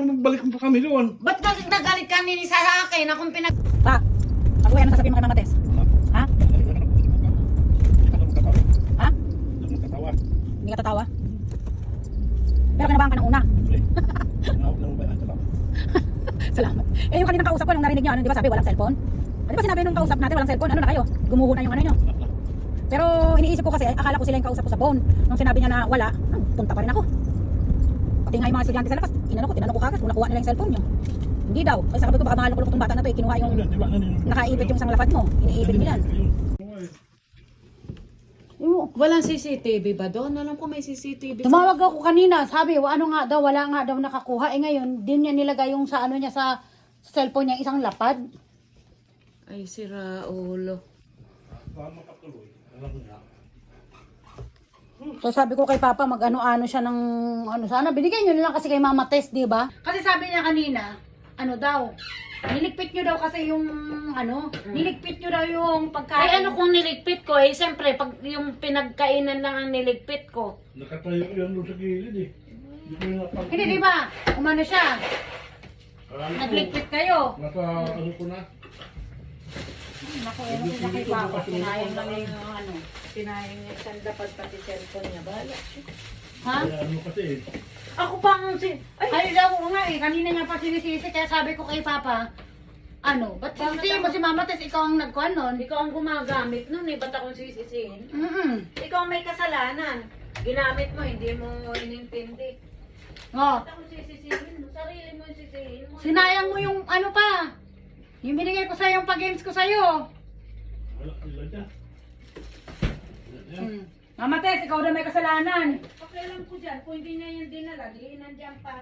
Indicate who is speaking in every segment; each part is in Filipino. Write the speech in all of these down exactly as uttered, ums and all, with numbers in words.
Speaker 1: magbalik pa kami doon.
Speaker 2: Ba't nag nagalit ka nini sa akin? Akong pinag...
Speaker 3: Pa, pag-uwi, ano sasabihin mo kay Mama Tess? Ha? Ha?
Speaker 1: Nagkatawa.
Speaker 3: Hindi ka tatawa? Pero kinabahan ka ng una. Salamat. Eh yung kaninang kausap ko, nung narinig niyo, ano, di ba sabi, walang cellphone? Ah, di ba sinabi nung kausap natin, walang cellphone, ano na kayo? Gumuho na yung ano nyo. Pero iniisip ko kasi, akala ko sila yung kausap ko sa phone. Nung sinabi niya na wala, ah, punta pa rin ako. Pati nga yung mga estudyante sa labas, inano ko, tinanong ko kagad kung nakuha nila yung cellphone nyo. Hindi daw. Kasi sabi ko, baka mahalok-lok tong bata na to, eh, kinuha yung nakaipit yung isang lapad mo. Iniipit nilan.
Speaker 2: Walang C C T V ba doon? Alam ko may C C T V.
Speaker 4: Tumawag ako kanina, sabi, wa- ano nga daw, wala nga daw nakakuha. Eh ngayon, din niya nilagay yung sa ano niya sa, sa cellphone niya, isang lapad.
Speaker 2: Ay, si Raulo.
Speaker 4: So sabi ko kay Papa, mag-ano-ano siya ng, ano sana, binigay niyo na lang kasi kay Mama Tess, di ba? Kasi sabi niya kanina, ano daw, niligpit niyo daw kasi yung, ano, niligpit niyo daw yung pagkain.
Speaker 2: Ay, ano kung niligpit ko? Eh, siyempre, pag yung pinagkainan lang ang niligpit ko.
Speaker 1: Nakatayo yan doon sa gilid eh. Hindi ko yung napag-
Speaker 4: Hindi, di ba? Umano siya,
Speaker 1: Alam ko,
Speaker 4: nagligpit kayo.
Speaker 1: Nasa ano ko na.
Speaker 4: Naku, ano sila kay Papa, kinayang lang yung, ano.
Speaker 2: Pinayang niya isang dapat pati cellphone niya. Bahala siya.
Speaker 4: Ha?
Speaker 1: Kaya ano kasi eh.
Speaker 2: Ako pang si... Ay,
Speaker 4: Ay, daw ko nga eh, kanina nga pa sinisisi, kaya sabi ko kay Papa, ano, ba't
Speaker 2: Bakit
Speaker 4: sisisihin mo
Speaker 2: ako-
Speaker 4: si Mama Tess, ikaw ang nagkuhan nun?
Speaker 2: ikaw ang gumagamit nun eh. Ba't akong sisisihin?
Speaker 4: Mm-mm.
Speaker 2: Ikaw ang may kasalanan. Ginamit mo, hindi mo inintindi.
Speaker 4: Oh,
Speaker 2: Ba't akong sisisihin mo? Sarili mo yung sisihin mo.
Speaker 4: sinayang mo yung ano pa, yung binigay ko sa'yo, yung pag-games ko sa'yo.
Speaker 1: Wala sila dyan.
Speaker 4: Mm. Mama Tess, ikaw na may kasalanan.
Speaker 2: Pakialam ko dyan, kung hindi niya yung dinala, di nandiyan pa.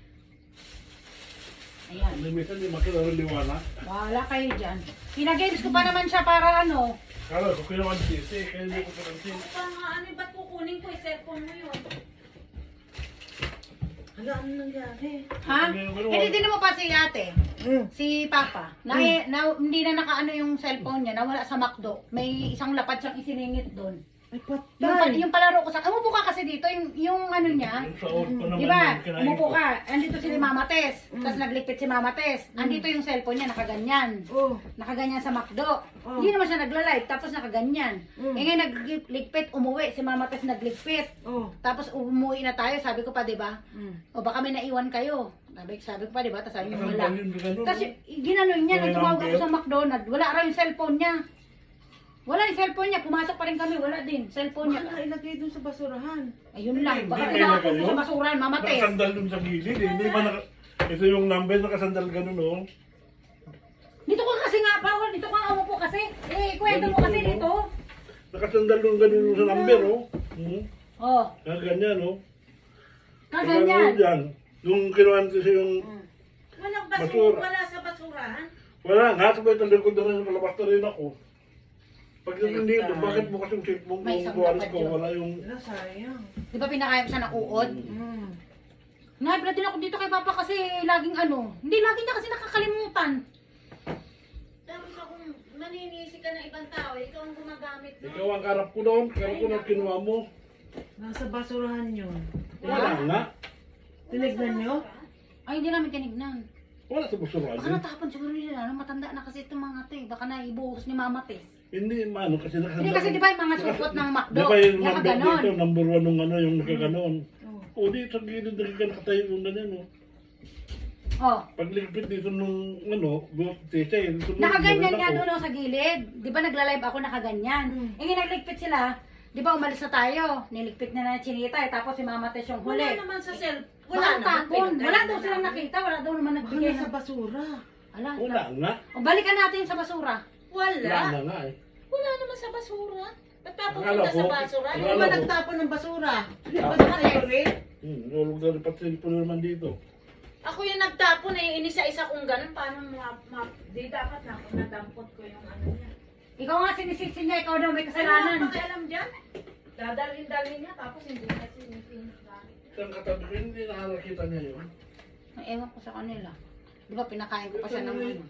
Speaker 4: Ayan,
Speaker 1: May minsan di makilaliwanag.
Speaker 4: wala kayo dyan. Pinag-games ko pa naman siya para ano.
Speaker 1: Kala ko kinuha ang sisi, kaya hindi ko karansin.
Speaker 2: Ako pa nga, ano, ba't kukunin ko yung cellphone mo yun? Hala, ano nangyari?
Speaker 4: Ha? Hindi din mo pa si ate, si Papa, na, na, hindi na nakaano yung cellphone niya, nawala sa McDo. May isang lapad siyang isiningit doon.
Speaker 2: Ay,
Speaker 4: Yung, pa- yung palaro ko sa... Umupo ka kasi dito, yung, yung ano niya.
Speaker 1: Yung sa old pa naman
Speaker 4: Di ba?
Speaker 1: yung kinain
Speaker 4: Umupo
Speaker 1: ko.
Speaker 4: ka. Andito si Mama Tess. Tapos nagligpit si Mama Tess. Andito yung cellphone niya, nakaganyan.
Speaker 2: Oh.
Speaker 4: Nakaganyan sa McDo. Hindi naman siya nagla-live. Tapos nakaganyan.
Speaker 2: Mm.
Speaker 4: Eh ngayon nagligpit, umuwi. Si Mama Tess nagligpit.
Speaker 2: Oh.
Speaker 4: Tapos umuwi na tayo. Sabi ko pa, di ba?
Speaker 2: Mm.
Speaker 4: O baka may naiwan kayo. Sabi, sabi ko pa, di ba? Tapos sabi niya,
Speaker 1: Nakasambal
Speaker 4: wala.
Speaker 1: yun, gano'n,
Speaker 4: Tapos
Speaker 1: no?
Speaker 4: y- ginanon niya,
Speaker 1: May
Speaker 4: nung tumawag ako
Speaker 1: number?
Speaker 4: sa McDonald's, wala raw yung cellphone niya. Wala yung cellphone niya, pumasok pa rin kami, wala din. Cellphone niya.
Speaker 2: Baka ilagay dun sa basurahan.
Speaker 4: Ayun lang, baka
Speaker 1: Hindi, may
Speaker 4: inakapon
Speaker 1: nagayon.
Speaker 4: ko sa basuran, Mama Tess.
Speaker 1: Nakasandal dun sa gilid eh. Hindi ba naka... Ito yung number, nakasandal gano'n oh.
Speaker 4: Dito ka kasi nga, Paul, dito ka nga umupo kasi. Eh, kwento mo kasi dito.
Speaker 1: Nakasandal dun gano'n sa number oh. Hmm.
Speaker 4: Oh,
Speaker 1: Kaya ganyan oh.
Speaker 4: kaganyan.
Speaker 1: Dyan. Nung kinuha ko siya yung...
Speaker 2: Walang
Speaker 1: Basura.
Speaker 2: basura. Wala sa basurahan.
Speaker 1: Wala nga, sabay tanda ko doon sa palabas na rin ako. Pag hindi ito, bakit bukas yung cellphone
Speaker 4: May
Speaker 1: ng
Speaker 4: isang
Speaker 1: buwaris
Speaker 4: dapat
Speaker 1: ko?
Speaker 4: yun.
Speaker 1: Wala yung...
Speaker 2: Wala, sayang.
Speaker 4: Di ba pinakain ko siya ng uod?
Speaker 2: Mm.
Speaker 4: Naibla din ako dito kay Papa kasi laging ano. Hindi, laging niya kasi nakakalimutan.
Speaker 2: Tapos akong maninisi ka ng ibang tao, ikaw ang gumagamit mo.
Speaker 1: Ikaw ang karap ko doon, karap ko na kinuha mo.
Speaker 2: Nasa basurahan yun.
Speaker 1: Wala nga.
Speaker 2: Tinignan nyo?
Speaker 4: Ay, hindi namin tinignan.
Speaker 1: Wala sa basurahan
Speaker 4: Baka
Speaker 1: yun.
Speaker 4: natapon siguro nila, ano, matanda na kasi itong mga to eh. Baka naibuhos ni Mama Tess.
Speaker 1: Hindi, maano kasi nakasandal.
Speaker 4: Hindi kasi di ba yung mga supot ng McDo,
Speaker 1: Di ba yung
Speaker 4: yung
Speaker 1: number
Speaker 4: kaganon.
Speaker 1: dito, number one nung ano, yung nakaganon.
Speaker 2: Oh.
Speaker 1: O di, sa gilid na ka nakatayo yung ganyan oh.
Speaker 4: Oh,
Speaker 1: Pagligpit dito nung ano, buhok tita eh. sunod,
Speaker 4: nakaganyan
Speaker 1: ganun
Speaker 4: nga
Speaker 1: ako.
Speaker 4: doon oh, sa gilid. Di ba nagla-live ako nakaganyan?
Speaker 2: Mm.
Speaker 4: Eh, nga nagligpit sila. Di ba umalis na tayo? Niligpit na na chinita eh. Tapos si Mama Tess yung huli.
Speaker 2: Wala naman sa cell.
Speaker 4: Wala
Speaker 2: Wala naman.
Speaker 4: tapon.
Speaker 2: pinagkainan
Speaker 4: Wala daw silang
Speaker 2: namin.
Speaker 4: nakita. Wala daw naman
Speaker 2: Baka
Speaker 4: nagbigay
Speaker 2: nasa
Speaker 4: ng...
Speaker 2: basura.
Speaker 4: Wala.
Speaker 1: Wala nga.
Speaker 4: O, balikan natin sa basura.
Speaker 1: Wala
Speaker 2: Wala.
Speaker 1: na nga eh.
Speaker 2: Wala naman sa basura. Ba't
Speaker 1: Akala
Speaker 2: papupunta sa
Speaker 1: ko-
Speaker 2: basura?
Speaker 1: akala
Speaker 2: Hindi ba
Speaker 1: ko-
Speaker 2: nagtapon ng basura?
Speaker 1: Yeah.
Speaker 2: Ba't nakalit?
Speaker 1: Hmm, nulog na rin pati po naman dito.
Speaker 2: Ako yung nagtapon eh, inisa-isa kong ganun. Paano ma... ma di dapat na ako nadampot ko yung ano niya.
Speaker 4: Ikaw nga sinisisi niya. Ikaw daw may
Speaker 2: Ano
Speaker 4: kasalanan.
Speaker 2: ang pakialam dyan? Dadalhin-dalhin niya tapos hindi na sinisin.
Speaker 1: Isang katabi ko, hindi nakakita niya yun.
Speaker 4: Ay, ewan ko sa kanila. Di ba pinakain ko pa siya ng ano?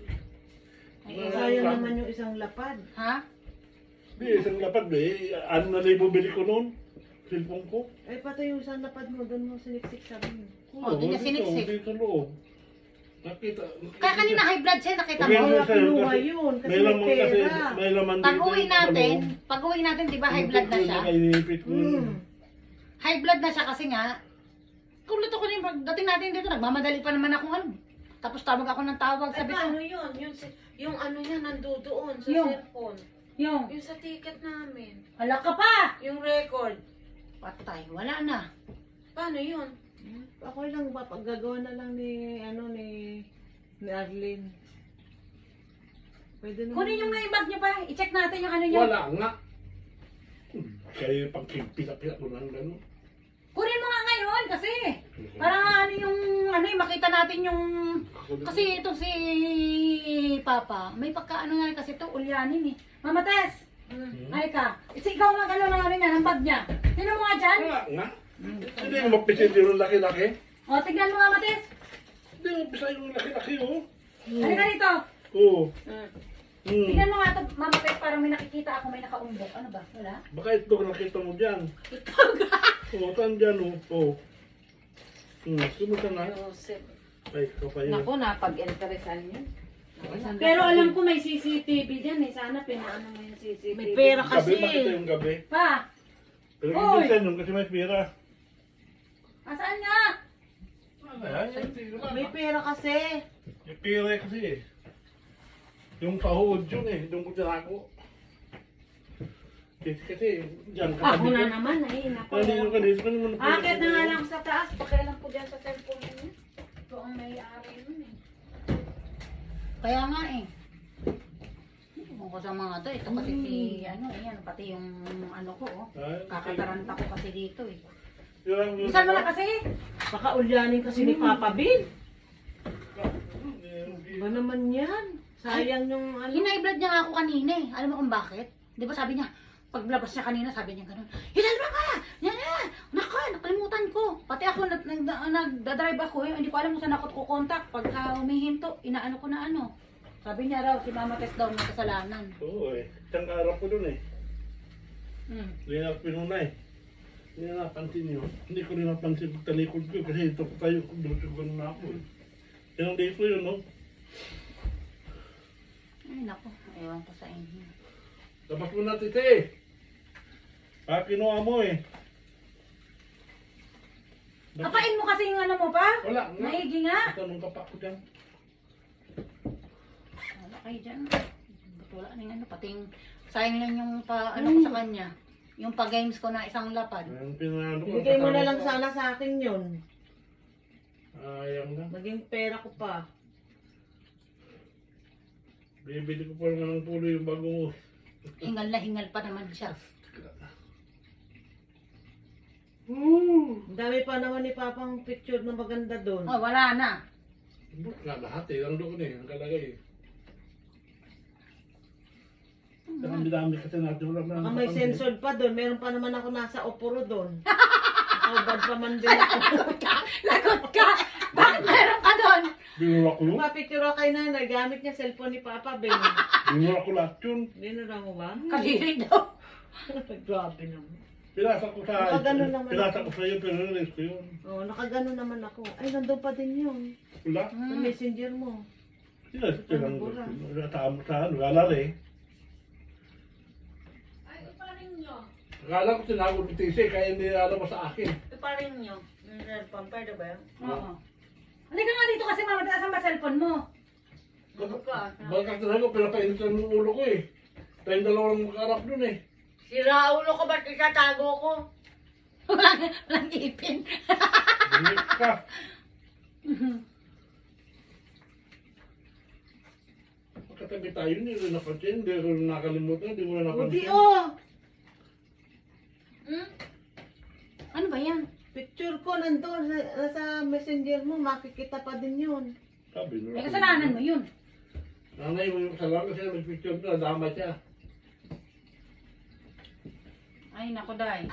Speaker 4: Ay, ewan.
Speaker 2: Sayang naman yung isang lapad.
Speaker 4: Ha?
Speaker 1: Di, isang lapad eh. Ano na libo bili ko noon? cellphone ko.
Speaker 5: Eh, pati yung isang lapad mo, doon mo siniksik sabi mo.
Speaker 4: Oh, doon niya
Speaker 1: dito,
Speaker 4: siniksik.
Speaker 1: Dito loob. Nakita.
Speaker 4: Kaya kanina high blood siya, nakita
Speaker 1: Okay,
Speaker 4: mo.
Speaker 1: okay.
Speaker 5: Kaya kinuha yun, kasi
Speaker 1: May
Speaker 5: may
Speaker 1: laman kasi,
Speaker 5: pera.
Speaker 1: may laman
Speaker 4: Pag uwi
Speaker 1: yung
Speaker 4: natin,
Speaker 1: ano.
Speaker 4: pag uwi natin, di ba high blood na siya?
Speaker 1: Nakainipit ko yun.
Speaker 5: Hmm.
Speaker 4: High blood na siya kasi nga, kulot ako rin, pagdating natin dito, nagmamadali pa naman ako ano. Tapos tawag ako ng tawag,
Speaker 2: Ay,
Speaker 4: sabi ko,
Speaker 2: paano yun? Yung, si- yung ano niya nandoon sa
Speaker 4: Yung-
Speaker 2: cellphone.
Speaker 4: yung,
Speaker 2: Yung sa ticket namin.
Speaker 4: hala ka pa!
Speaker 2: Yung record.
Speaker 4: Patay, wala na.
Speaker 2: Paano yun?
Speaker 5: Ako lang, papaggagawa na lang ni, ano, ni, ni Arlene. Pwede naman.
Speaker 4: Kunin yung nga bag niyo pa, i-check natin yung ano niyo.
Speaker 1: Wala nga. Hmm, Kaya pag pila-pila ko lang gano'n.
Speaker 4: Kunin mo nga ngayon kasi. Para nga ano yung, ano yung makita natin yung, kasi ito si Papa, may pagkaano nga rin kasi ito, ulyanin eh. Mama Tess,
Speaker 1: Hmm.
Speaker 4: ay ka, si ikaw mag ano na ano niya, ng bag niya. Tignan mo nga dyan.
Speaker 1: Wala nga. Hindi mo mapisit yung laki-laki.
Speaker 4: O, tignan mo nga Mama Tess.
Speaker 1: Hindi mo mapisa yung laki-laki, oh.
Speaker 4: Halika dito.
Speaker 1: Oo.
Speaker 2: Mm.
Speaker 1: Hmm.
Speaker 4: Tignan mo nga ito, Mama Tess, parang may nakikita ako, may nakaumbok. Ano ba? Wala?
Speaker 1: Baka ito nakita mo dyan. Oo, saan dyan, oh. Oo. Hmm, kumusta na?
Speaker 2: Joseph.
Speaker 1: Ay, kapay.
Speaker 2: Naku, napag-interesan yun.
Speaker 4: Pero alam ko may C C T V dyan eh. Sana pinaano mo yung C C T V.
Speaker 2: May pera
Speaker 1: Gabi,
Speaker 2: kasi.
Speaker 1: makita yung gabi.
Speaker 4: Pa,
Speaker 1: Pero
Speaker 4: Oy!
Speaker 1: hindi yun kasi may pera.
Speaker 4: asaan nga?
Speaker 1: Ay, ay, ay,
Speaker 5: May pera kasi.
Speaker 1: May pera kasi eh. Yung sahod yun eh, doon ko tinako. Kasi kasi, dyan
Speaker 4: Ako
Speaker 1: katabi
Speaker 4: na
Speaker 1: ko.
Speaker 4: naman, ay, nako.
Speaker 1: Nandito ka dito, ano mo na
Speaker 2: Akit na nga lang sa taas. Pakialam ko dyan sa cellphone niya. Ito ang may-ari nun eh.
Speaker 4: Kaya nga eh. Ewan ko sa mga to. Ito kasi si, ano, ayan, pati yung ano ko, oh. Kakataranta ko kasi dito eh. Bisan mo na kasi.
Speaker 5: Baka ulyanin kasi ni Papa Bin. Ba naman yan? Sayang yung ano.
Speaker 4: Hina-blood niya nga ako kanina eh. Alam mo kung bakit? Di ba sabi niya, paglabas niya kanina, sabi niya gano'n, Hinalba ka! Yan yan! Naka, nakalimutan ko. Pati ako, nag, nag, nagdadrive ako eh. Hindi ko alam kung saan ako kukontak. Pagka humihinto, inaano ko na ano. Sabi niya raw, si Mama Tess daw may kasalanan.
Speaker 1: Oo eh, isang araw ko dun eh.
Speaker 4: Hmm.
Speaker 1: Hindi na ako pinunay. Hindi na napansin yun. Hindi ko rin napansin pag talikod ko kasi ito ko tayo, dutugan na ako eh. Yan ang dito yun, no?
Speaker 4: Ay naku, ewan ko sa inyo.
Speaker 1: Dapat mo natin ito eh. Ah, kinuha mo eh.
Speaker 4: Kapain mo kasi yung ano mo pa?
Speaker 1: Wala nga.
Speaker 4: Maigi nga.
Speaker 1: Tanong ka pa ako dyan.
Speaker 4: Wala kayo dyan. Ba't wala na yung ano, pati yung sayang lang yung pa, ano ko sa kanya. Yung pa-games ko na isang lapad.
Speaker 1: Ang pinano ko.
Speaker 5: Bigay mo na lang
Speaker 1: kasama
Speaker 5: sana sa akin yun.
Speaker 1: ko. Ayang na.
Speaker 5: Maging pera ko pa.
Speaker 1: Bibili ko pa naman ng pulo yung bagong.
Speaker 4: Hingal na hingal pa naman siya.
Speaker 1: Woo!
Speaker 5: Ang dami pa naman ni Papang picture na maganda doon.
Speaker 4: Oh, wala na.
Speaker 1: Buk na lahat eh. Ang doon eh. Ang kalagay eh. Ang dami kasi natin. Wala
Speaker 5: Baka
Speaker 1: na.
Speaker 5: may censored pa doon. Meron pa naman ako nasa oporo doon. Nakabad pa man din ako.
Speaker 4: Lagot ka! Lagot ka! Bakit meron ka doon?
Speaker 1: Binura ko yun.
Speaker 5: Mapicture ako kay nanay. Gamit niya cellphone ni Papa Ben.
Speaker 1: Binura ko lahat yun.
Speaker 5: Binura mo ba?
Speaker 4: Kadiri daw.
Speaker 5: Grabe naman.
Speaker 1: Pinasa ko sa
Speaker 5: Nakaganon naman
Speaker 1: pinasa
Speaker 5: ako.
Speaker 1: ko sa iyo pero nalis ko yun.
Speaker 5: Oo, oh, nakagano naman ako. Ay, nandun pa din yun.
Speaker 1: Wala.
Speaker 5: Sa messenger mo.
Speaker 1: Sinas ko lang.
Speaker 5: Wala.
Speaker 1: Wala tamo sa ano. Wala rin.
Speaker 2: Ay, iparin nyo.
Speaker 1: Akala ko tinago ni Tise kaya hindi alam mo sa akin.
Speaker 2: Iparin nyo. Yung cellphone, pwede ba yun?
Speaker 4: Oo. Halika nga dito kasi mama, asan ba cellphone mo?
Speaker 2: Ano ka?
Speaker 1: Baka tinago pinapainit ng ulo ko eh. Tayong dalawang magkarap dun eh.
Speaker 2: Si Raulo ko, ba't itatago ko?
Speaker 4: Walang walang ipin.
Speaker 1: Bumit ka. Magkatabi tayo, hindi rin napansin, hindi ko rin nakalimutan, hindi mo na
Speaker 5: Buti
Speaker 1: napansin.
Speaker 5: oh!
Speaker 2: Hmm?
Speaker 4: Ano ba yan?
Speaker 5: Picture ko nandun sa, sa messenger mo. Makikita pa din yun.
Speaker 1: Sabi nyo.
Speaker 4: May kasalanan mo yun.
Speaker 1: Nanay mo yung kasalanan kasi nag-picture na, dama siya.
Speaker 4: Ay, naku, day.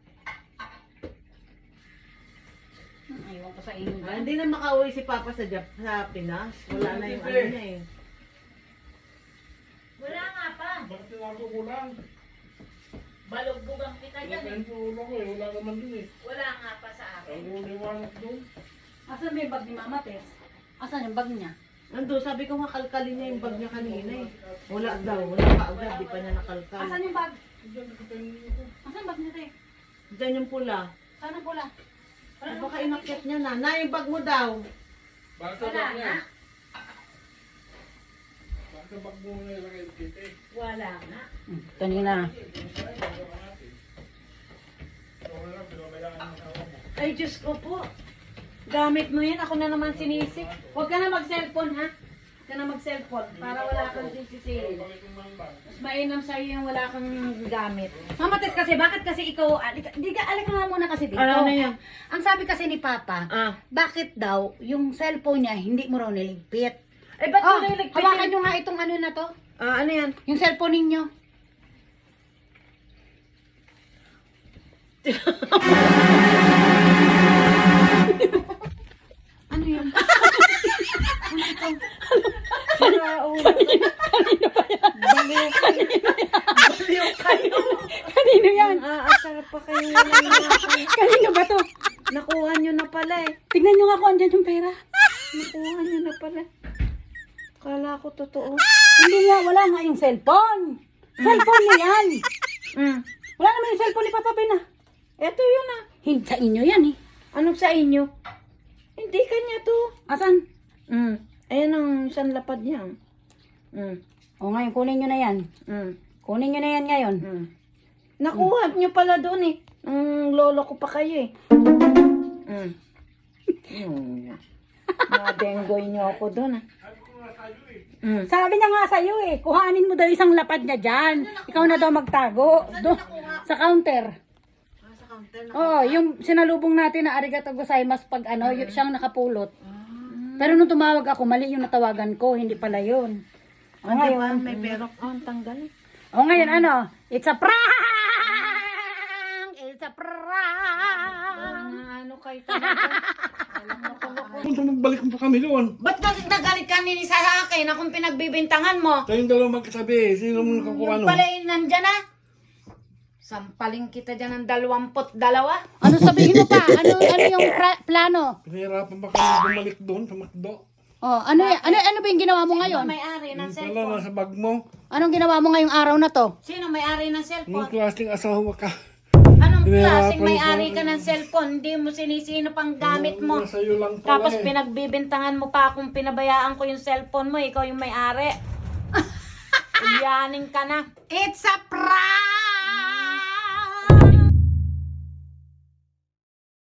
Speaker 4: Hmm, Aywan ko sa inyo.
Speaker 5: Ah, hindi na makauwi si Papa sa, Jap sa Pinas. Wala na yung ano niya eh.
Speaker 2: Wala nga pa.
Speaker 1: Bakit tinago mo lang?
Speaker 2: Balugbugan kita dyan eh.
Speaker 1: Nakahento ulo ko eh. Wala naman dun eh.
Speaker 2: Wala nga pa sa akin.
Speaker 1: Ang uliwanag dun.
Speaker 3: Asan ba yung bag ni Mama Tess? Asan yung bag niya?
Speaker 5: Ando, sabi ko makalkalin niya yung bag niya kanina eh. Wala daw, wala pa agad, di pa niya nakalkal.
Speaker 3: Asan yung bag?
Speaker 1: Diyan nakatayo ko.
Speaker 3: Asan yung bag niya, te?
Speaker 5: Diyan yung pula.
Speaker 3: Saan ang pula?
Speaker 5: Ay, baka inakyat niya na. Na, yung bag mo daw.
Speaker 1: Baka
Speaker 2: Wala
Speaker 1: bag
Speaker 2: nga.
Speaker 1: niya. Baka bag mo na ilagay dito eh.
Speaker 2: Wala nga.
Speaker 3: Kanina.
Speaker 1: Okay lang, pinabayaan mo sa mo.
Speaker 4: Ay, Diyos ko po. Gamit mo yan. Ako na naman sinisik. Huwag ka na mag-cellphone, ha? Huwag ka na mag-cellphone para wala kang sisisihin.
Speaker 1: Bakit yung mga bag?
Speaker 4: Mas mainam sa'yo yung wala kang gamit.
Speaker 3: Mama Tess kasi, bakit kasi ikaw, alika, di ka, alika nga muna kasi dito.
Speaker 5: Ano na yan?
Speaker 3: Ang sabi kasi ni Papa,
Speaker 5: Ah.
Speaker 3: bakit daw yung cellphone niya hindi mo raw niligpit?
Speaker 5: Ay, ba't
Speaker 3: Oh,
Speaker 5: mo na yung
Speaker 3: hawakan nyo nga itong ano na to,
Speaker 5: Ah, ano yan?
Speaker 3: yung cellphone ninyo. Ano yun?
Speaker 5: Sira ulo. Baliw kayo. Baliw kayo.
Speaker 3: Kanino yan?
Speaker 5: Aasar pa kayo ngayon.
Speaker 3: Kanino ba to?
Speaker 5: Nakuha nyo na pala eh.
Speaker 3: Tignan nyo nga kung andyan yung pera.
Speaker 5: Nakuha nyo na pala. Kala ko totoo.
Speaker 3: Hindi nga, wala nga yung cellphone. Cellphone niya yan.
Speaker 5: Mm.
Speaker 3: Wala naman yung cellphone ni Papa Ben ah.
Speaker 5: Eto yun ah.
Speaker 3: Hindi sa inyo yan eh.
Speaker 5: Anong sa inyo? Hindi kanya to.
Speaker 3: Asan?
Speaker 5: Mm. Ayan ang isang lapad niya. Mm.
Speaker 3: O ngayon, kunin nyo na yan.
Speaker 5: Mm.
Speaker 3: Kunin nyo na yan ngayon.
Speaker 5: Mm. Nakuha nyo pala doon eh. Ang lolo ko pa kayo eh. Mm. Mm. Nadenggoy nyo ako doon ah. Mm.
Speaker 3: Sabi niya nga sa'yo eh, kuhanin mo daw isang lapad niya dyan. Ikaw na daw magtago. Do, sa counter.
Speaker 5: Ah, sa counter na.
Speaker 3: Oo, yung sinalubong natin na arigato gozaimasu pag ano, yung siyang nakapulot. Pero nung tumawag ako, mali yung natawagan ko, hindi pala yun. O
Speaker 5: Ano
Speaker 3: ngayon,
Speaker 5: ba? May perok. Oh, ang tanggal eh.
Speaker 3: o ngayon ano, it's a prank! It's a prank!
Speaker 5: Ano kayo talaga?
Speaker 1: Punta magbalik pa kami doon.
Speaker 4: Ba't ka nagalit ka ni sa akin akong pinagbibintangan mo?
Speaker 1: Kayong dalawa magkasabi. Sino mo nakakuha
Speaker 4: Yung
Speaker 1: no?
Speaker 4: pala yun nandyan na. Sampaling kita dyan ng dalawamput dalawa.
Speaker 3: Ano sabihin mo pa? Ano ano yung pra- plano?
Speaker 1: Pinahirapan pa kami bumalik doon sa McDo.
Speaker 3: Oh, ano y- ano ano ba yung ginawa mo ngayon?
Speaker 4: May-ari ng
Speaker 1: Yung pala,
Speaker 4: cellphone.
Speaker 1: nasa bag mo.
Speaker 3: Anong ginawa mo ngayong araw na to?
Speaker 4: Sino may-ari ng
Speaker 1: Nung
Speaker 4: cellphone?
Speaker 1: klaseng asawa ka.
Speaker 4: Anong
Speaker 1: Pinahirapan
Speaker 4: klaseng may-ari
Speaker 1: ko.
Speaker 4: ka ng cellphone? Hindi mo sinisino pang gamit mo.
Speaker 1: Nasa iyo lang pala
Speaker 4: Tapos
Speaker 1: eh.
Speaker 4: pinagbibintangan mo pa akong pinabayaan ko yung cellphone mo. Ikaw yung may-ari. Uyanin ka na.
Speaker 3: It's a prank!